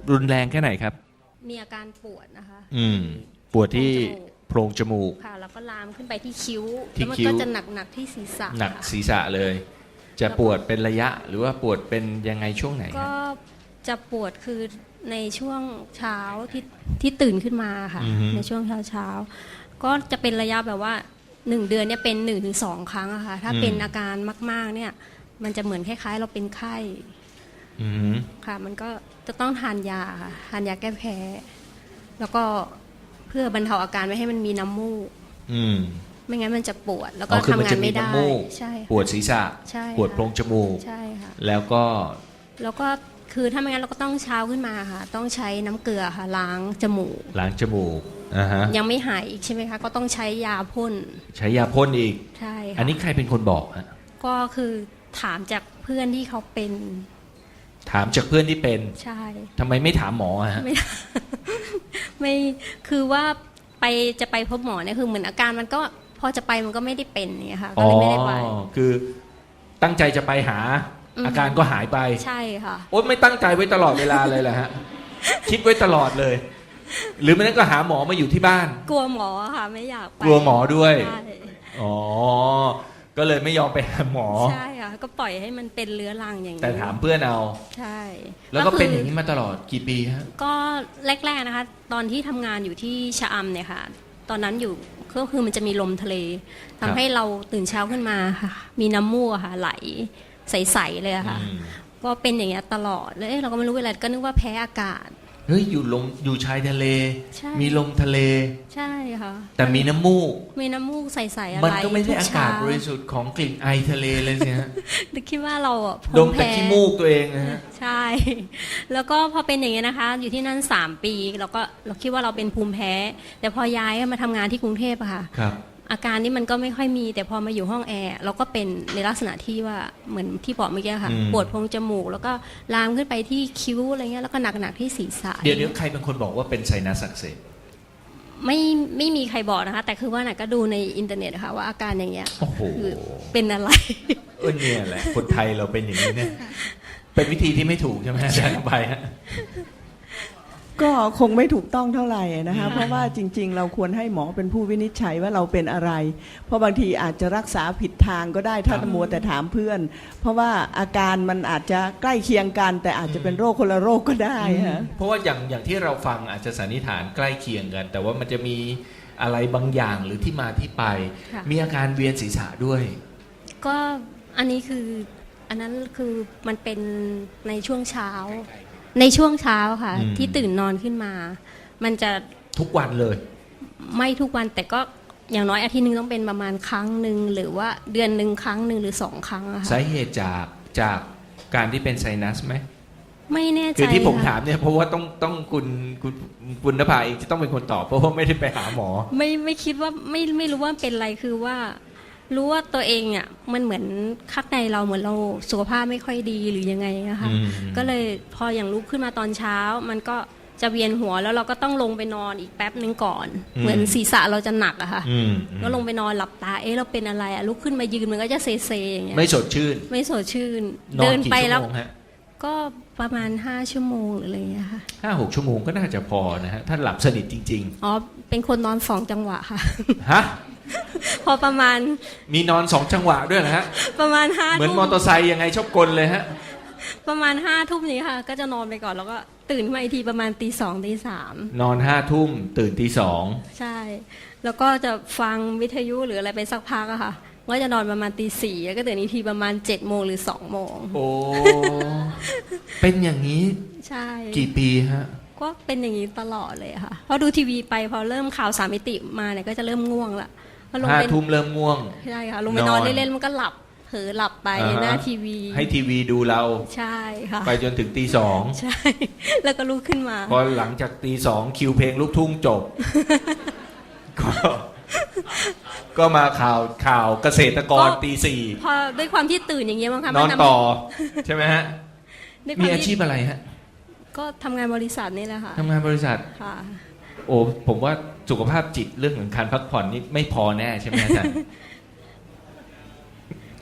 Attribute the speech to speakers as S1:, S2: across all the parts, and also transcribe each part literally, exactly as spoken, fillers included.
S1: รุนแรงแค่ไหนครับ
S2: มีอาการปวดนะคะ
S1: อืมปวดที่โพรงจมูก
S2: ค่ะแล้วก็ลามขึ้นไปที่คิ้ว
S1: ที่
S2: แล้วมัน
S1: คิ้ว
S2: ก็จะหนักหนักๆที่ศีรษะ
S1: หนัก
S2: ค่ะ
S1: ศีรษะเลย จะปวดเป็นระยะหรือว่าปวดเป็นยังไงช่วงไหนฮะ
S2: ก็จะปวดคือในช่วงเช้าที่ที่ตื่นขึ้นมาค่ะ
S1: อือฮึ
S2: ในช่วงเช้าเช้าๆก็จะเป็นระยะแบบว่าหนึ่งเดือนเนี่ยเป็นหนึ่งถึงสองครั้งอะค่ะถ้าเป็นอาการมากๆเนี่ยมันจะเหมือนคล้ายๆ เราเป็นไข้
S1: อืม
S2: ค่ะมันก็จะต้องทานยาค่ะทานยาแก้แพ้แล้วก็เพื่อบรรเทาอาการไม่ให้มันมีน้ำมูก
S1: อืม
S2: ไม่งั้นมันจะปวดแล้วก็
S1: อ๋อคือ
S2: ทำ
S1: มัน
S2: งา
S1: จะ
S2: น
S1: มี
S2: ไม่ได้
S1: น้ำมูก
S2: ใช่ค่ะ
S1: ปวดศีรษะ
S2: ใช่ค่ะ
S1: ปวดโพรงจมูก
S2: ใช่ค่ะ
S1: แล้วก็
S2: แล้วก็คือถ้าไม่งั้นเราก็ต้องเช้าขึ้นมาค่ะ ต้องใช้น้ำเกลือค่ะล้างจมูก
S1: ล้างจมูกอ่าฮะ
S2: ยังไม่หายอีกใช่ไหมคะก็ต้องใช้ยาพ่น
S1: ใช้ยาพ่นอีก
S2: ใช่ค่ะ
S1: อันนี้ใครเป็นคนบอกฮะ
S2: ก็คือถามจากเพื่อนที่เขาเป็น
S1: ถามจากเพื่อนที่เป็น
S2: ใช่
S1: ทำไมไม่ถามหมอฮะ
S2: ไม่ ไม่คือว่าไปจะไปพบหมอเนี่ยคือเหมือนอาการมันก็พอจะไปมันก็ไม่ได้เป็นเนี่ยค่ะก็
S1: อ๋อ
S2: เลยไม่ได้ไป
S1: คือตั้งใจจะไปหา
S2: อืม
S1: อาการก็หายไป
S2: ใช่ค่ะ
S1: โอ๊ยไม่ตั้งใจไว้ตลอดเวลาเลยแหละฮะ คิดไว้ตลอดเลย หรือไม่นั้นก็หาหมอมาอยู่ที่บ้าน
S2: กลัวหมอค่ะ ไม่อยากไป
S1: กลัวหมอด้วย
S2: ใช่
S1: อ๋อ ก็เลยไม่ยอมไปหาหมอ
S2: ใช่ค่ะก็ปล่อยให้มันเป็นเรื้อรังอย่างนี้
S1: แต่ถามเพื่อนเอา
S2: ใช่
S1: แล้วก็
S2: คื
S1: เป็นอย่างนี้มาตลอดกี่ปีฮะ
S2: ก็แรกๆนะคะ ตอนที่ทำงานอยู่ที่ชะอำเนี่ยค่ะ ตอนนั้นอยู่ก็คือมันจะมีลมทะเล
S1: ครั
S2: ทำ
S1: บ
S2: ให้เราตื่นเช้าขึ้นมาค่ะ มีน้ำมูกอะค่ะ ไหลใสๆเลยอะค่ะ
S1: อืม
S2: ก็เป็นอย่างเงี้ยตลอดเลยเอ๊ะเราก็ไม่รู้เวลาก็นึกว่าแพ้อากาศ
S1: เฮ้ยอยู่ลมอยู่ชายทะเล
S2: ใช่
S1: มีลมทะเล
S2: ใช่ค่ะ
S1: แต่มีน้ำมูก
S2: มีน้ำมูกใสๆอะไร
S1: มันก็ไม่ใช่
S2: ทุ
S1: อากาศ
S2: เช้
S1: บริสุทธิ์ของกลิ่นไอทะเลเลยสิฮะ
S2: นึกคิดว่าเราอ่ะ
S1: ด
S2: ภู
S1: ม
S2: มิ
S1: แต่
S2: แพ้
S1: ขี้มูกตัวเองนะฮะ
S2: ใช่ แล้วก็พอเป็นอย่างเงี้ยนะคะ อยู่ที่นั่นสามปีเราก็เราคิดว่าเราเป็นภูมิแพ้ แต่พอย้ายมาทำงานที่กรุงเทพอะค่ะ
S1: ครับ
S2: อาการนี้มันก็ไม่ค่อยมี แต่พอมาอยู่ห้องแอร์เราก็เป็นในลักษณะที่ว่าเหมือนที่บอกเมื่อกี้ค่ะ
S1: อืม
S2: ปวดโพรงจมูก แล้วก็ลามขึ้นไปที่คิ้วอะไรเงี้ยแล้วก็หนักๆที่ศีรษะ
S1: เดี๋ยวเดี๋ยวใครเป็นคนบอกว่าเป็นไซนัสอักเสบ
S2: ไม่ไม่มีใครบอกนะคะ แต่คือว่าน่ะก็ดูในอินเทอร์เน็ตค่ะว่าอาการอย่างเงี้ย
S1: โอ้โห
S2: คือเป็นอะไร
S1: เออเนี่ยแหละ คนไทยเราเป็นอย่างนี้เนี่ย เป็นวิธีที่ไม่ถูกใช่ไหมอาจารย์ไปฮะ
S3: ก็คงไม่ถูกต้องเท่าไหร่นะคะเพราะว่าจริงๆ เราควรให้หมอเป็นผู้วินิจฉัยว่าเราเป็นอะไร เพราะบางทีอาจจะรักษาผิดทางก็ได้ถ้า
S1: ครับ
S3: มัวแต่ถามเพื่อน เพราะว่าอาการมันอาจจะใกล้เคียงกัน แต่อาจจะเป็นโรคคนละโรคก็ได้ฮะ
S1: เพราะว่าอย่างอย่างที่เราฟังอาจจะสันนิษฐานใกล้เคียงกัน แต่ว่ามันจะมีอะไรบางอย่างหรือที่มาที่ไป
S2: ค่ะ
S1: มีอาการเวียนศีรษะด้วย
S2: ก็อันนี้คืออันนั้นคือมันเป็นในช่วงเช้า ในช่วงเช้าค่ะ
S1: อืม
S2: ที่ตื่นนอนขึ้นมา มันจะ
S1: ทุกวันเลย
S2: ไม่ทุกวันแต่ก็อย่างน้อยอาทิตย์หนึงต้องเป็นประมาณครั้งหนึ่งหรือว่าเดือนหนึ่งครั้งหนึ่งหรือสองครั้งอะค่ะ
S1: สาเหตุจากจากการที่เป็นไซนัสไหม
S2: ไม่แน่ใจ
S1: คือที่ผม
S2: ค่ะ
S1: ถามเนี่ยเพราะว่าต้องต้องคุณคุณคุณนภาเองจะต้องเป็นคนตอบเพราะว่าไม่ได้ไปหาหมอ
S2: ไม่ไม่คิดว่าไม่ไม่รู้ว่าเป็นอะไรคือว่า รู้ว่าตัวเองอ่ะมันเหมือนข้างในเราเหมือนเราสุขภาพไม่ค่อยดีหรือยังไงนะคะ
S1: อืม
S2: ก็เลยพออย่างลุกขึ้นมาตอนเช้า มันก็จะเวียนหัวแล้วเราก็ต้องลงไปนอนอีกแป๊บนึงก่อน เหมือนศีรษะเราจะหนักอะค่ะ
S1: อืม
S2: ก็ลงไปนอนหลับตาเอ๊ะเราเป็นอะไรอะลุกขึ้นมายืนมันก็จะเซเซอย่างเงี้ย
S1: ไม่สดชื่น
S2: ไม่สดชื่น
S1: นอ
S2: เดิ
S1: น
S2: น
S1: กี่
S2: ไป
S1: ชั่ว
S2: แล้ว
S1: โมงฮะ
S2: ก็ประมาณห้าชั่วโมงหรืออะไรอย่างเงี้ยค่ะ
S1: ห้าหกชั่วโมงก็น่าจะพอนะฮะถ้าหลับสนิทจริง
S2: อ๋อเป็นคนนอนสองจังหวะค่ะ
S1: ๆฮะ
S2: พอประมาณ
S1: มีนอนสองจังหวะด้วยนะฮะ
S2: ประมาณห้า
S1: เหมือน
S2: ทุ่ม
S1: มอเตอร์ไซค์ยังไงชอบกลเลยฮะ
S2: ประมาณห้าทุ่มนี้ค่ะ ก็จะนอนไปก่อนแล้วก็ตื่นขึ้นมาอีกทีประมาณตีสองตีสาม
S1: นอนห้าทุ่มตื่นตีสอง
S2: ใช่ แล้วก็จะฟังวิทยุหรืออะไรไปสักพักอะค่ะก็จะนอนประมาณตีสี่แล้วก็ตื่นอีกทีประมาณเจ็ดโมงหรือสองโมง
S1: โอ้ เป็นอย่างนี้
S2: ใช่
S1: กี่ปีฮะ
S2: ก็เป็นอย่างนี้ตลอดเลยค่ะพอดูทีวีไปพอเริ่มข่าวสามมิติมาเนี่ยก็จะเริ่มง่วงละพอลง
S1: ห้า
S2: ไป
S1: ทุ่มเริ่มง่วง
S2: ใช่ค่ะลงไปนอน
S1: นอน
S2: เล่นๆมันก็หลับเผลอหลับไป
S1: อ่าฮะ
S2: หน้าทีวี
S1: ให้ทีวีดูเรา
S2: ใช่ค่ะ
S1: ไปจนถึงตีสอง
S2: ใช่ แล้วก็ลุกขึ้นมา
S1: พอหลังจากตีสองคิวเพลงลูกทุ่งจบ ก็ ก็มาข่าวข่าวเกษตรกร
S2: ก็
S1: ตีสี่
S2: พอด้วยความที่ตื่นอย่างเงี้ยมั้งคะ
S1: น
S2: มั
S1: อน
S2: ทำ
S1: ต่อ ใช่ไหมฮะ
S2: ด้วยค
S1: มี
S2: วาม
S1: อาชี
S2: ที่
S1: พอะไรฮะ
S2: ก็ทำงานบริษัทนี่แหละค่ะ
S1: ทำงานบริษัท
S2: ค่ะ
S1: โอ้ผมว่าสุขภาพจิตเรื่องของการพักผ่อนนี่ไม่พอแน่ใช่ไหมอาจารย์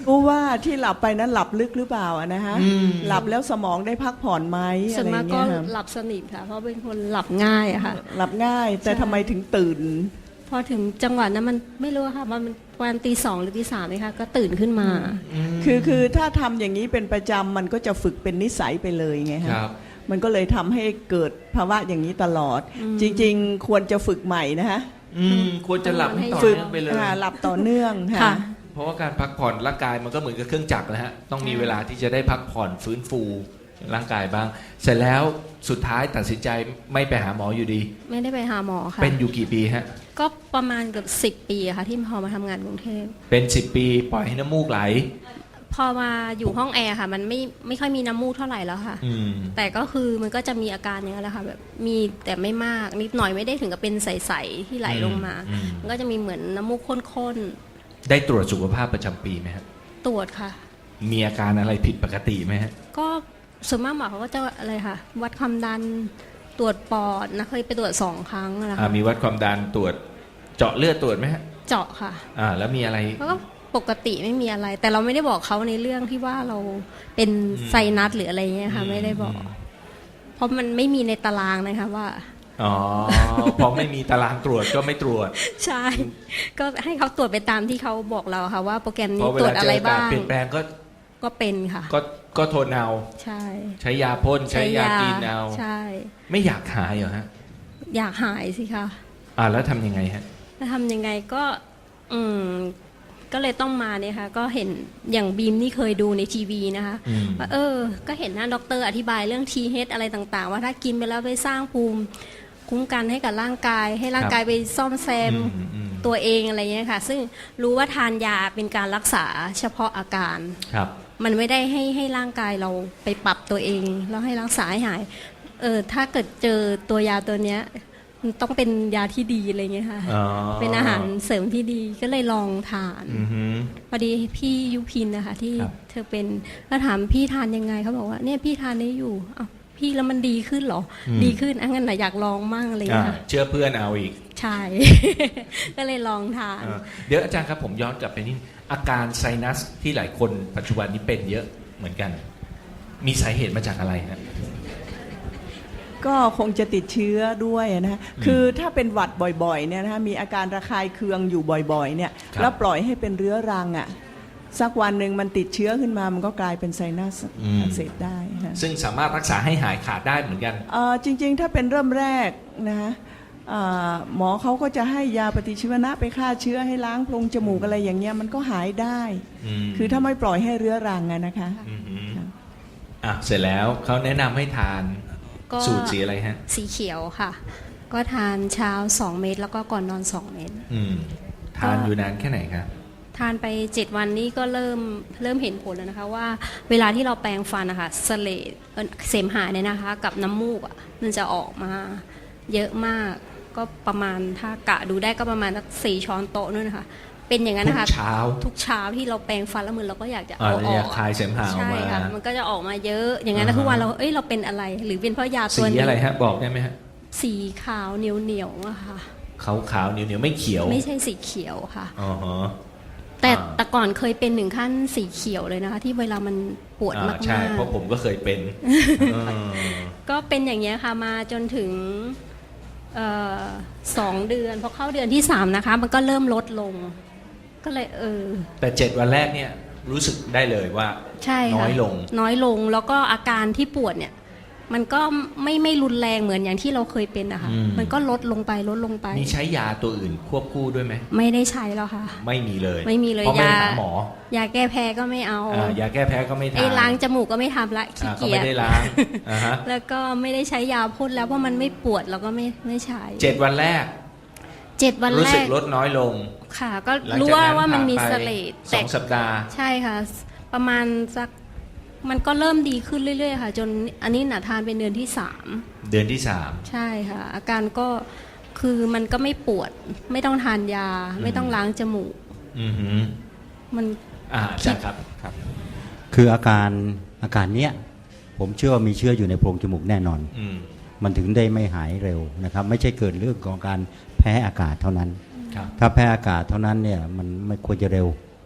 S3: รู้ว่าที่หลับไปนั้นหลับลึกหรือเปล่าอะนะฮะ
S1: อืม
S3: หลับแล้วสมองได้พักผ่อนไหม
S2: ส่
S3: อะ
S2: วน
S3: ไร
S2: มาก
S3: เงี้
S2: ก็
S3: ยครับ
S2: หลับสนิทค่ะ เพราะเป็นคนหลับง่ายอะค่ะ
S3: หลับง่าย แต่
S2: ใช่
S3: ทำไมถึงตื่น
S2: พอถึงจังหวะนั้นมันไม่รู้ค่ะว่ามันประมาณตีสองหรือตีสามเลยค่ะก็ตื่นขึ้นมา
S3: คือคือถ้าทำอย่างนี้เป็นประจำมันก็จะฝึกเป็นนิสัยไปเลยไง
S1: ค
S3: ฮะ
S1: รับ
S3: มันก็เลยทำให้เกิดภาวะอย่างนี้ตลอด จริงๆ ควรจะฝึกใหม่นะฮะ
S1: อืมควรจะหลับให้ต่อ
S3: ฝึก
S1: เนื่องไปเลย
S3: อ่าหลับต่อเนื่อง
S2: ค่ะ
S3: ค่ะ
S1: เพราะว่าการพักผ่อนร่างกายมันก็เหมือนกับเครื่องจักรนะฮะต้องมีเวลาที่จะได้พักผ่อนฟื้นฟูร่างกายบ้าง เสร็จแล้วสุดท้ายตัดสินใจไม่ไปหาหมออยู่ดี
S2: ไม่ได้ไปหาหมอค่ะ
S1: เป็นอยู่กี่ปีฮะ
S2: ก็ประมาณเกือบสิบปีอะค่ะ ที่พอมาทำงานกรุงเทพ
S1: เป็นสิบปีปล่อยให้น้ำมูกไหล
S2: พอมาอยู่ห้องแอร์ค่ะ มันไม่ไม่ค่อยมีน้ำมูกเท่าไหร่แล้วค่ะ
S1: อืม
S2: แต่ก็คือมันก็จะมีอาการอย่างนั้นแหละค่ะแบบมีแต่ไม่มากนิดหน่อยไม่ได้ถึงกับเป็นใสๆที่ไหลลงมา
S1: อืม
S2: มันก็จะมีเหมือนน้ำมูกข้น
S1: ได้ตรวจสุขภาพประจำปีไหมฮะ
S2: ๆตรวจค่ะ
S1: มีอาการอะไรผิดปกติไหมฮะ
S2: ก็ส่วนมากหมอเขาก็จะอะไรค่ะ วัดความดันตรวจปอดนะเคยไปตรวจสองครั้งนะ
S1: อ่า
S2: คะ
S1: มีวัดความดันตรวจเจาะเลือดตรวจไหมฮะ
S2: เจาะค่ะ
S1: อ่า แล้วมีอะไร
S2: แล้วก็ปกติไม่มีอะไร แต่เราไม่ได้บอกเขาในเรื่องที่ว่าเราเป็น
S1: อืม
S2: ไซนัสหรืออะไรเงี้ยค่ะ ไม่ได้บอก เพราะมันไม่มีในตารางนะคะว่า
S1: อ๋อ พอไม่มีตารางตรวจก็ไม่ตรวจ
S2: ใช่ ก็ให้เขาตรวจไปตามที่เขาบอกเราค่ะว่าโปรแกรม
S1: เพ
S2: นี้
S1: ราะเว
S2: ตรว
S1: ลา
S2: จ
S1: เจ
S2: อะไร
S1: ออากา
S2: บ้า
S1: ศ
S2: ง
S1: เปลี่ยนแปลงก็
S2: ก็เป็นค่ะ
S1: ก็ก็ทนเอา
S2: ใช่
S1: ใช้ยาพ่นใช้ยากินเอา
S2: ใช่
S1: ไม่อยากหายเหรอฮะ
S2: อยากหายสิคะ
S1: อ่าแล้วทำยังไงฮะ
S2: จะทำยังไงก็ อืม ก็เลยต้องมาเนี่ยค่ะ ก็เห็นอย่างบีมนี่เคยดูในทีวีนะคะ
S1: อืม
S2: ว่าเออ ก็เห็นหน้าด็อกเตอร์อธิบายเรื่อง ที เอช อะไรต่างๆ ว่าถ้ากินไปแล้วไปสร้างภูมิคุ้มกันให้กับร่างกาย ให้ร่างกายไปซ่อมแซม
S1: อืมอืม
S2: ตัวเองอะไรเงี้ยค่ะ ซึ่งรู้ว่าทานยาเป็นการรักษาเฉพาะอาการ
S1: ครับ
S2: มันไม่ได้ให้ให้ร่างกายเราไปปรับตัวเอง แล้วให้รักษาให้หาย เออถ้าเกิดเจอตัวยาตัวเนี้ย มันต้องเป็นยาที่ดีอะไรเงี้ยค่ะ
S1: อ๋อ
S2: เป็นอาหารเสริมที่ดีก็เลยลองทาน
S1: อือหือ
S2: พอดีพี่ยุพินนะคะที่
S1: ครับ
S2: เธอเป็นก็ถามพี่ทานยังไงเขาบอกว่าเนี่ยพี่ทานนี้อยู่อ้าวพี่แล้วมันดีขึ้นเหรอ ดีขึ้นอ่ะงั้นน่ะอยากลองมั่งอะไร
S1: อ่า
S2: เงี้ย
S1: เชื่อเพื่อนเอาอีก
S2: ใช่ ก็เลยลองทาน
S1: อ่าเดี๋ยวอาจารย์ครับผมย้อนกลับไปนิดอาการไซนัสที่หลายคนปัจจุบันนี้เป็นเยอะเหมือนกัน มีสาเหตุมาจากอะไรฮะ
S3: ก็คงจะติดเชื้อด้วยนะฮะคือถ้าเป็นหวัดบ่อยๆเนี่ยนะฮะมีอาการระคายเคืองอยู่บ่อยๆเนี่ย
S1: ครับ
S3: แล้วปล่อยให้เป็นเรื้อรังอ่ะสักวันหนึ่งมันติดเชื้อขึ้นมามันก็กลายเป็นไซนัสอักเสบได้ฮะ
S1: ซึ่งสามารถรักษาให้หายขาดได้เหมือนกัน
S3: เอ่อจริงๆ ถ้าเป็นเริ่มแรกนะฮะเอ่อหมอเขาก็จะให้ยาปฏิชีวนะไปฆ่าเชื้อให้ล้างโพรงจมูกอะไรอย่างเงี้ยมันก็หายได้
S1: อืม
S3: คือถ้าไม่ปล่อยให้เรื้อรังอะนะคะ
S1: อือหืออ่ะเสร็จแล้วเขาแนะนำให้ทาน
S2: ก็
S1: สูตรสีอะไรฮะ
S2: สีเขียวค่ะ ก็ทานเช้าสองเม็ดแล้วก็ก่อนนอนสองเม็ด
S1: อืมทานอยู่นานแค่ไหนครับ
S2: ทานไปเจ็ดวันนี้ก็เริ่มเริ่มเห็นผลแล้วนะคะว่าเวลาที่เราแปรงฟันนะคะเสลดเอ่อเสมหะเนี่ยนะคะ กับน้ำมูกอ่ะมันจะออกมาเยอะมากก็ประมาณถ้ากะดูได้ก็ประมาณสักสี่ช้อนโต๊ะนู่นนะคะเป็นอย่างนั้น
S1: ทุ
S2: นะคะ
S1: กเช้า
S2: ทุกเช้าที่เราแปรงฟันแล้วมือเราก็อยากจะ
S1: อ่า
S2: เอาอ
S1: อ
S2: อย
S1: าก คลายเสมหะออก
S2: ใช่
S1: มา
S2: ค่ะมันก็จะออกมาเยอะอย่างนั้น
S1: อ่าฮะ
S2: ทุกวันเราเอ้ยเราเป็นอะไร หรือเป็นเพราะยา
S1: สี
S2: ตัวนี้
S1: อะไรฮะ บอกได้ไหมฮะ
S2: สีขาวเหนียวเหนียวๆอะค่ะ
S1: ขาวขาวๆเหนียวเหนียวๆไม่เขียว
S2: ไม่ใช่สีเขียวค่ะ
S1: อ๋อฮะ
S2: แต่
S1: อ่า
S2: แต่ก่อนเคยเป็นถึงขั้นสีเขียวเลยนะคะ ที่เวลามันปวด
S1: อ่าม
S2: าก
S1: ใช่
S2: ๆ
S1: เพราะผมก็เคยเป็นเออ
S2: ก็เป็นอย่างเงี้ยค่ะมาจนถึงเอ่อสองเดือนพอเข้าเดือนที่สามนะคะ มันก็เริ่มลดลง ก็เลยเออ
S1: แต่เจ็ดวันแรกเนี่ยรู้สึกได้เลยว่า
S2: ใช่ค่ะ
S1: น้อยลง
S2: น้อยลงแล้วก็อาการที่ปวดเนี่ย มันก็ไม่ไม่รุนแรงเหมือนอย่างที่เราเคยเป็นนะคะ
S1: อืม
S2: มันก็ลดลงไปลดลงไป
S1: มีใช้ยาตัวอื่นควบคู่ด้วยไหม
S2: ไม่ได้ใช้แล้วค่ะ
S1: ไม่มีเลย
S2: ไม่มีเลย
S1: เพราะไม่
S2: ยา
S1: หาหมอย
S2: าแก้แพ้ก็ไม่เอา
S1: อ่ายาแก้แพ้ก็ไม่ทา
S2: ไอ้
S1: น
S2: ล้างจมูกก็ไม่ทำละขี้
S1: อ่าก็
S2: เกีย
S1: ไม่
S2: จ
S1: ได้ล้างอ่าฮะ
S2: แล้วก็ไม่ได้ใช้ยาพ่นแล้วเพราะมันไม่ปวดเราก็ไม่ไม่ใช้
S1: เจ็ดวันแรก
S2: เจ็ดวัน
S1: รู้
S2: แร
S1: สึก
S2: ก
S1: ลดน้อยลง
S2: ค่ะ ก็
S1: หลัง
S2: รู้
S1: จาก
S2: ว่า
S1: นั้น
S2: ว่ามันมี
S1: ผ่า
S2: เส
S1: ไป
S2: ลด
S1: ส
S2: แต่
S1: องสัปดาห์
S2: ใช่ค่ะ ประมาณสักมันก็เริ่มดีขึ้นเรื่อยๆค่ะ จนอันนี้หนาทานเป็นเดือนที่สาม
S1: เดือนที่สาม
S2: ใช่ค่ะ อาการก็คือมันก็ไม่ปวด ไม่ต้องทานยา ไม่ต้องล้างจมูก
S1: อือหือ
S2: มัน
S1: อ่าอาจารย์ครับครับ
S4: คืออาการอาการเนี้ยผมเชื่อว่ามีเชื้ออยู่ในโพรงจมูกแน่นอน
S1: อืม
S4: มันถึงได้ไม่หายเร็วนะครับ ไม่ใช่เกิดเรื่องของการแพ้อากาศเท่านั้น
S1: ครับ
S4: ถ้าแพ้อากาศเท่านั้นเนี่ยมันไม่ควรจะเร็ว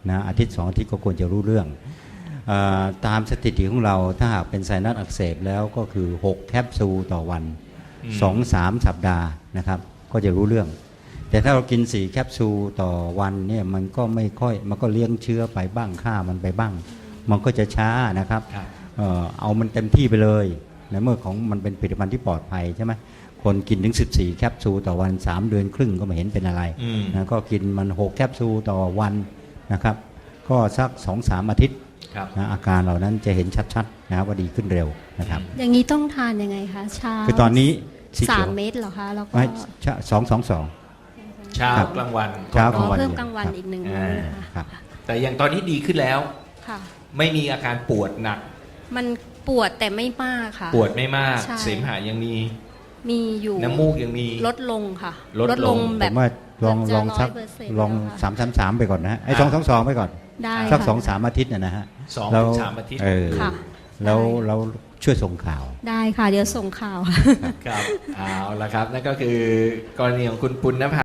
S4: นะอาทิตย์สองอาทิตย์ก็ควรจะรู้เรื่องเออตามสถิติของเราถ้าหากเป็นไซนัสอักเสบแล้วก็คือหกแคปซูลต่อวัน
S1: อืม
S4: สองสามสัปดาห์นะครับก็จะรู้เรื่อง แต่ถ้าเรากินสี่แคปซูลต่อวันเนี่ยมันก็ไม่ค่อยมันก็เลี้ยงเชื้อไปบ้างฆ่ามันไปบ้าง มันก็จะช้านะครับ
S1: ครับ
S4: เอ่อเอามันเต็มที่ไปเลยในเมื่อของมันเป็นผลิตภัณฑ์ที่ปลอดภัยใช่ไหมคนกินถึงสิบสี่แคปซูลต่อวันสามเดือนครึ่งก็ไม่เห็นเป็นอะไร
S1: อืม
S4: นะก็กินมันหกแคปซูลต่อวันนะครับก็สัก สองสาม อาทิตย์
S1: ครับ
S4: นะอาการเหล่านั้นจะเห็นชัดๆนะครับว่าดีขึ้นเร็วนะครับ
S2: อย่างนี้ต้องทานยังไงคะเช้า
S4: คือตอนนี้สี
S2: สา
S4: เขีย
S2: ม
S4: ว
S2: เม็ดเหรอคะแล้วก็
S4: ไม่สองสองสอง
S1: เช้า
S4: ครับ
S1: กลางวัน
S4: เช้า
S2: อ๋
S4: กลา
S2: อง
S4: วัน
S2: เพิ่มกลางวัน
S4: ครับ
S2: อีกหนึ่ง
S1: อ่า
S2: มื้อค่ะ
S4: ครับ
S1: แต่อย่างตอนนี้ดีขึ้นแล้ว
S2: ค่ะ
S1: ไม่มีอาการปวดหนัก
S2: มันปวดแต่ไม่มากค่ะ
S1: ปวดไม่มาก
S2: ใช่
S1: เสมหะยังมี
S2: มีอยู่
S1: น้ำมูกยังมี
S2: ลดลงค่ะ
S1: ลดลง
S2: แบ
S4: ผ
S2: บ
S4: มว่าลอง
S2: เกือบจะ
S4: ลองสัก
S2: ร้อยเปอร์เซ็นต์
S4: ลอง
S2: แล้วค่ะ
S4: สามสามสามไปก่อนนะฮะไอ้
S1: อ่า
S4: สองสองสองไปก่อน
S2: ได้
S4: สัก
S2: ค่ะ
S4: สองสามอาทิตย์นะนะฮะ
S1: สอง
S4: แล้ว
S1: ถึงสามอาทิตย์
S4: เออ
S2: ค่ะ
S4: แล้ว
S2: ได้
S4: แล้วช่วยส่งข่าว
S2: ได้ค่ะ เดี๋ยวส่งข่าว
S1: ครับเอาละครับนั่นก็คือกรณีของคุณปุณณภา